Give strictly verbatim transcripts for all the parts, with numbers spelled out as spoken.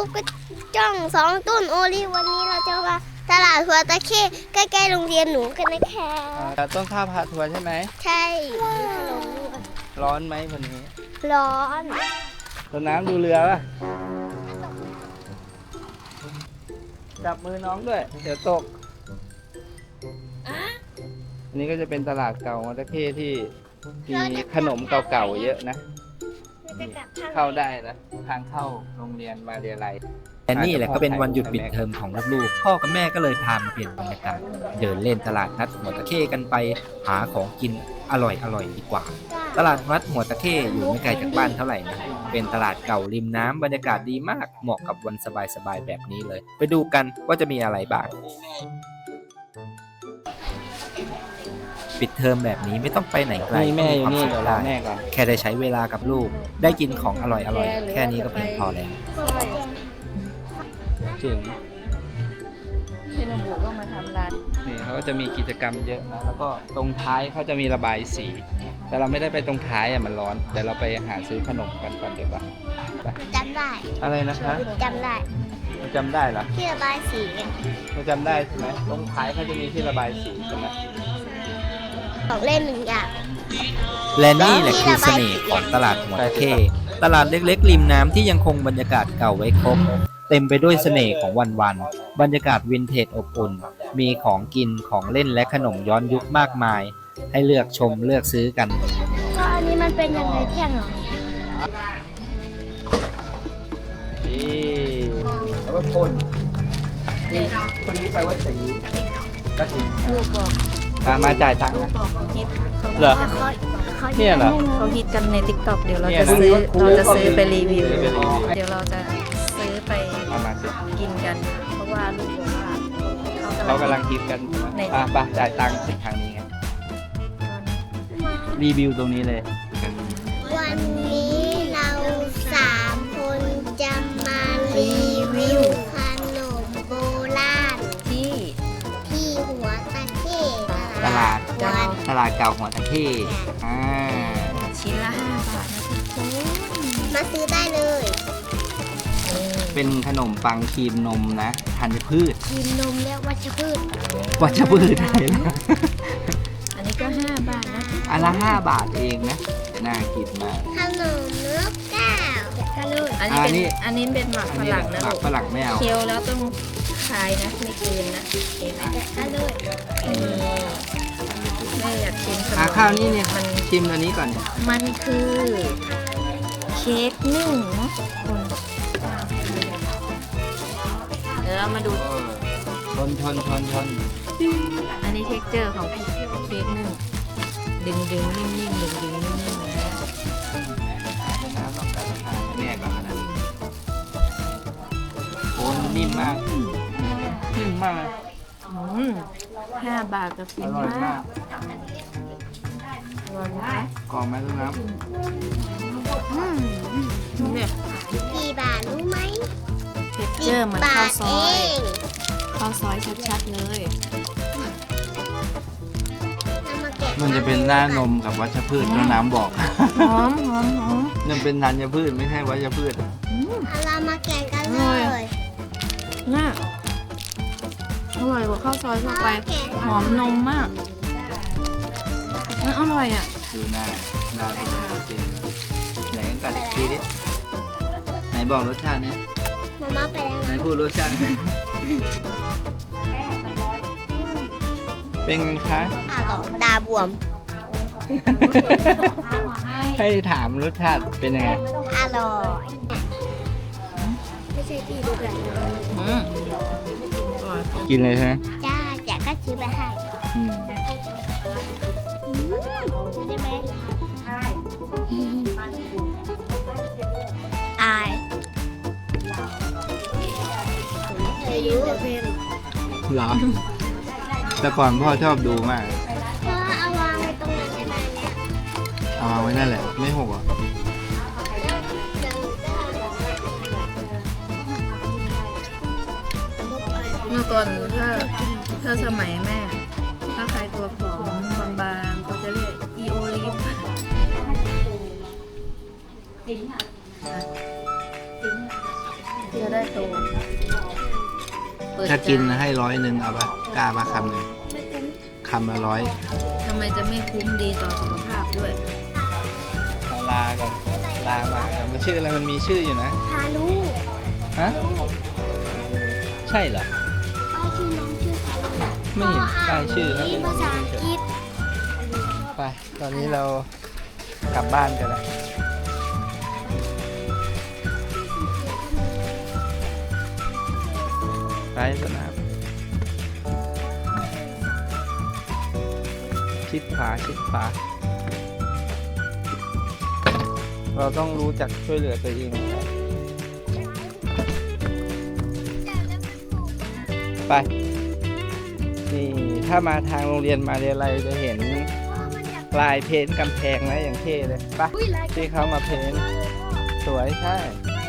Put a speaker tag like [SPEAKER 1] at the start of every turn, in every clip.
[SPEAKER 1] กระจ้องสองต้นโอลิฟวันนี้เราจะมาตลาดหัวตะเข้ใกล้ๆโรงเรียนหนูกันนะคะ
[SPEAKER 2] ต้นข้าวพาทัวร์ใช่ไหม
[SPEAKER 1] ใช่มีขนมด้วย
[SPEAKER 2] ร้อนไหมวันนี้
[SPEAKER 1] ร้อน
[SPEAKER 2] ต้นน้ำดูเรือป่ะจับมือน้องด้วย เดี๋ยวตก อันนี้ก็จะเป็นตลาดเก่าหัวตะเข้ที่มีขนมเก่าๆเยอะนะ เข้าได้นะทางเข้าโรงเรียนมาเรียนไร
[SPEAKER 3] แต่นี่แหละก็เป็นวันหยุดปิดเทอมของลูกๆ พ่อกับแม่ก็เลยพามาเปลี่ยนบรรยากาศ เดินเล่นตลาดนัดหัวตะเข้กันไป หาของกินอร่อยๆดีกว่า ตลาดนัดหัวตะเข้อยู่ไม่ไกลจากบ้านเท่าไหร่นะ เป็นตลาดเก่าริมน้ำบรรยากาศดีมาก เหมาะกับวันสบายๆแบบนี้เลย ไปดูกันว่าจะมีอะไรบ้าง ปิดเทอมแบบนี้ไม่ต้องไปไหนไกล
[SPEAKER 2] นี่แม่อยู่นี่
[SPEAKER 3] ก็
[SPEAKER 2] เดี๋ยวรอ
[SPEAKER 3] ได้
[SPEAKER 2] แม่ก่อน
[SPEAKER 3] แค่ได้ใช้เวลากับลูก ได้กินของอร่อยๆ แค่นี้ก็เพียงพอแล้ว
[SPEAKER 2] ถึง
[SPEAKER 4] พี่นบุก็มาทำร้าน
[SPEAKER 2] นี่เขาก็จะมีกิจกรรมเยอะนะ แล้วก็ตรงท้ายเขาจะมีระบายสี แต่เราไม่ได้ไปตรงท้ายอ่ะมันร้อน แต่เราไปหาซื้อขนมกันก่อนดีกว่าไป
[SPEAKER 1] จำได้
[SPEAKER 2] อะไรนะคะ
[SPEAKER 1] จำได้
[SPEAKER 2] เราจำได้เหรอ
[SPEAKER 1] ที่ระบายสีไง
[SPEAKER 2] เราจำได้ใช่ไหมตรงท้ายเขาจะมีที่ระบายสีใช่ไหม
[SPEAKER 1] ของเล่นหนึ่งอย่าง
[SPEAKER 3] และนี่แหละคือเสน่ห์ของตลาดหัวตะเข้ตลาดเล็กๆ ริมน้ำที่ยังคงบรรยากาศเก่าไว้ครบ เต็มไปด้วยเสน่ห์ของวันๆ บรรยากาศวินเทจอบอุ่น มีของกินของเล่นและขนมย้อนยุคมากมาย ให้เลือกชมเลือกซื้อกัน
[SPEAKER 1] ก็อันนี้มันเป็นยังไงแท่งเหรอ
[SPEAKER 2] นี่แล้วก็คนนี่คนนี้ไปวัดศรีก็ถึง
[SPEAKER 4] ลูกบอก
[SPEAKER 2] มาจ่ายตังค์นะ
[SPEAKER 4] บอกฮิต
[SPEAKER 2] เหรอ
[SPEAKER 1] เขาเขา
[SPEAKER 2] เนี่ยเหรอ
[SPEAKER 4] เขาฮิตกันใน ติ๊กต็อก เดี๋ยวเรา
[SPEAKER 2] เนี่ย
[SPEAKER 4] จะ
[SPEAKER 2] นะ
[SPEAKER 4] ซื้อเราจะซื้อไปรีวิว
[SPEAKER 2] ซื้อไปรีวิว
[SPEAKER 4] เดี๋ยวเราจะซื้อไป
[SPEAKER 2] เอามาสิ
[SPEAKER 4] กินกัน เพราะว่าลูกบอกว่า
[SPEAKER 2] เรา
[SPEAKER 4] เขา
[SPEAKER 2] กำ
[SPEAKER 4] กำ
[SPEAKER 2] ลั
[SPEAKER 4] ลั
[SPEAKER 2] ง
[SPEAKER 4] ง
[SPEAKER 2] คิดกัน
[SPEAKER 4] ใน
[SPEAKER 2] ป่ะป่ะจ่ายตังค์สิทางนี้ไง รีวิวตรงนี้เลย
[SPEAKER 1] วันนี้เราสามคนจะมารีวิวขนมโบราณ
[SPEAKER 4] ที่
[SPEAKER 1] ที่หัวตะเข้
[SPEAKER 2] ตลาด
[SPEAKER 1] วัด
[SPEAKER 2] ตลาดเก่าหัวตะเข้อ่า
[SPEAKER 4] ชิ้นละห้าบาทนะทุกคน
[SPEAKER 1] มาซื้อได้เลย
[SPEAKER 2] เป็นขนมปังครีมนมนะธัญพืช
[SPEAKER 1] กินนมเรียกวัชพืช
[SPEAKER 2] วัชพืชได้นะ
[SPEAKER 4] อันนี้ก็ห้าบาทนะ
[SPEAKER 2] อันละห้าบาทเองนะน่ากินมาก
[SPEAKER 1] ขนมนกแก้วกันเลย
[SPEAKER 4] อันนี้
[SPEAKER 2] อั
[SPEAKER 4] เป็น น
[SPEAKER 2] นี้
[SPEAKER 4] อันนี้เป็นหมักฝรั่งนะ
[SPEAKER 2] หมั
[SPEAKER 4] ลู
[SPEAKER 2] ก
[SPEAKER 4] ก
[SPEAKER 2] ฝรั่งไม่เอา
[SPEAKER 4] เคี้ยวแล้วต้องคายนะไม่กลืนนะเห็นไหม
[SPEAKER 1] กันเลย
[SPEAKER 4] นี่แม่อยากชิมขน
[SPEAKER 2] อ่าม ข้าวนี่เนี่ย
[SPEAKER 4] มัน
[SPEAKER 2] ชิมอันนี้ก่อน
[SPEAKER 4] มันคือเค้กนึ่งนะคนเดี๋ยวเรามาดู
[SPEAKER 2] ชนชนชนชน
[SPEAKER 4] อันนี้เท็กเจอร์ของเค้กนึ่งดึงดึงนิ่มนิ่มดึงดึงนิ่มนิ่มนะ
[SPEAKER 2] แม่ก่อนนะโอ้นิ่มมากนิ่มมาก
[SPEAKER 4] อืมห้าบาทกับ
[SPEAKER 2] อ
[SPEAKER 4] ฟิน
[SPEAKER 2] ร่อย
[SPEAKER 4] มาม
[SPEAKER 2] าก ก
[SPEAKER 4] อร่อยไหม
[SPEAKER 2] กรอบไหมลูกน้
[SPEAKER 4] อืมเนี่ย
[SPEAKER 1] กี่บาทรู้ไหม
[SPEAKER 4] เท็กเจอร์เหมือน
[SPEAKER 1] บา
[SPEAKER 4] ข้าว
[SPEAKER 1] ท
[SPEAKER 4] ซ
[SPEAKER 1] เอ
[SPEAKER 4] อย
[SPEAKER 1] ง
[SPEAKER 4] ข้าวซอยชัดๆเลย
[SPEAKER 1] เอามาแกะ
[SPEAKER 2] ำมันจะเป็นหน้านมกับวัชพืชแล้วน้ำบอก
[SPEAKER 4] หอมหอมหอม
[SPEAKER 2] มันเป็นธัญพืชไม่ใช่วัชพืช
[SPEAKER 4] อืม
[SPEAKER 1] เอาเรามาแกะกัน
[SPEAKER 4] อ
[SPEAKER 1] เล
[SPEAKER 4] ร่อย
[SPEAKER 1] ย
[SPEAKER 4] น่าอร่อยกว่าข้าวซอยทั่วไป หอมนมมากน่าอร่อยอ่ะ
[SPEAKER 2] ดูหน้าหน้าเป็นโปรตีนไหนกันกัดอีกทีดิไหนบอกรสชาตินี้
[SPEAKER 1] มาม่าไปแล้ว
[SPEAKER 2] ไหนพูดรสชาตินี้เป็นไงคะ
[SPEAKER 1] อ่ะต่อตาบวม
[SPEAKER 2] ให้ถามรสชาติเป็นยังไง
[SPEAKER 1] อร่อยไม่ใช่พี่ดูกัน
[SPEAKER 4] อืมอร่อย
[SPEAKER 2] กินเลยใช่ไหม
[SPEAKER 1] จ้าแจกก็ซื้อไปให้
[SPEAKER 2] อืม
[SPEAKER 1] อืมได้ไหมอายอายุ
[SPEAKER 2] เหรอ แต่ก่อนพ่อชอบดูมาก
[SPEAKER 1] เพราะเอาวางไว้ตรงนั้นก็ได้เนี่ย
[SPEAKER 2] เอาวางไว้นั่นแหละ ไม่หกอ่ะ
[SPEAKER 4] เมื่อก่อนถ้าถ้าสมัยแม่ ถ้าใครตัวผอมบางๆเขาจะเรียกอีโอลิฟเดี๋ยวได้โตเปิด
[SPEAKER 2] ถ้ากิน
[SPEAKER 4] ใจ
[SPEAKER 2] ให้ร้อยหนึ่งเอาปะกล้าปะคำหนึ่งคำละร้อย
[SPEAKER 4] ทำไมจะไม่คุ้มดีต่อสุขภาพด้วย
[SPEAKER 2] เอาลากันลามากันมันชื่ออะไรมันมีชื่ออยู่นะ
[SPEAKER 1] ฮารุ
[SPEAKER 2] ฮะใช่เหรอ
[SPEAKER 1] ป้ายชื่อน้องชื่อฮารุ
[SPEAKER 2] ไม่เห็นป้ายชื่อครับ
[SPEAKER 1] นี่ภาษาอังกฤษ
[SPEAKER 2] ไปตอนนี้เรากลับบ้านกันแล้วไปสนามชิดขวาชิดขวาเราต้องรู้จักช่วยเหลือตัวเองนะครับไปนี่ถ้ามาทางโรงเรียนมาเรียนอะไรจะเห็นลายเพ้นท์กำแพงนะอย่างเท่เลยไปที่เขามาเพ้นท์สวยใช่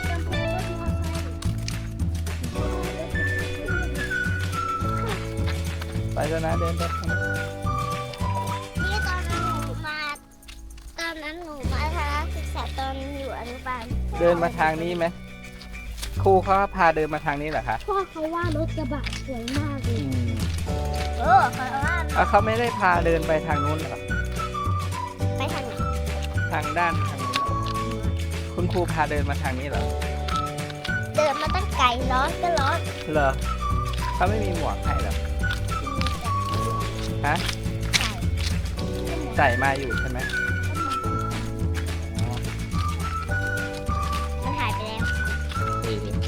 [SPEAKER 2] ไปแล้วนะเดินไปข้างหน้า
[SPEAKER 1] นี่ตอนนั้นหนูมา ตอนนั้นหนูมาทัศนศึกษาตอนอยู่อนุบาล
[SPEAKER 2] เดินมาทางนี้ไหมครูเขาพาเดินมาทางนี้เหรอคะ
[SPEAKER 1] พ่อเขาว่ารถกระบะสวยมากเล
[SPEAKER 2] อื
[SPEAKER 1] ย
[SPEAKER 2] ม
[SPEAKER 1] เออเขาว่า
[SPEAKER 2] เอาเขาไม่ได้พาเดินไปทางนู้นเหรอ
[SPEAKER 1] ไปทางไหน
[SPEAKER 2] ทางด้านทางนี้เหรอคุณครูพาเดินมาทางนี้เหรอ
[SPEAKER 1] เดินมาตั้งไกลร้อนก็ร้อน
[SPEAKER 2] เหรอเขาไม่มีหมวกให้เหรอฮะใส่มาอยู่ใช่ไหมอ๋อ
[SPEAKER 1] มันหายไปแล้ว
[SPEAKER 2] เออ
[SPEAKER 1] พี่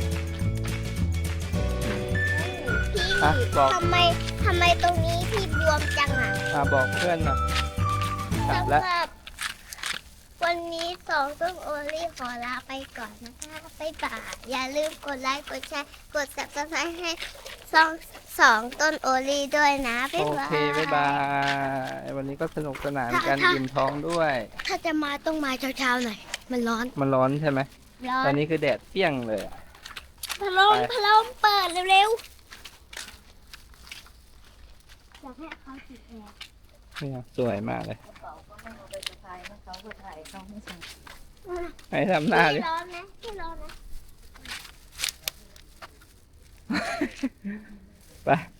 [SPEAKER 2] อ่ะบอก
[SPEAKER 1] ทำไมทำไมตรงนี้พี่บวมจังอ่ะ
[SPEAKER 2] อ่ะบอกเพื่อนหน่อยกลับแล้ว
[SPEAKER 1] สำหรับวันนี้สองต้นโอลี่ขอลาไปก่อนนะคะบ๊ายบายอย่าลืมกดไลค์กดแชร์กด ซับสไครบ์ให้สองสองต้นโอลี่ด้วยนะบ๊าย
[SPEAKER 2] โอบ
[SPEAKER 1] าย
[SPEAKER 2] เคบ๊ายบายวันนี้ก็สนุกสนานกัน
[SPEAKER 1] ถ้า
[SPEAKER 2] อิ่มท้องด้วย
[SPEAKER 1] ถ้าจะมาต้องมาเช้าๆหน่อย มันร้อน
[SPEAKER 2] มันร้อนใช่ไหม
[SPEAKER 1] ร้อ
[SPEAKER 2] ตอน
[SPEAKER 1] น
[SPEAKER 2] นี้คือแดดเปรี้ยงเลยอะ
[SPEAKER 1] พัดลม
[SPEAKER 2] ไป
[SPEAKER 1] พัดลมเปิดเร็วๆอยากให้เขาติดแอร์
[SPEAKER 2] เนี่ยสวยมากเลยให้ทำหน้าดิ
[SPEAKER 1] พี่ร้อนนะพี่ร้อนนะ
[SPEAKER 2] ไป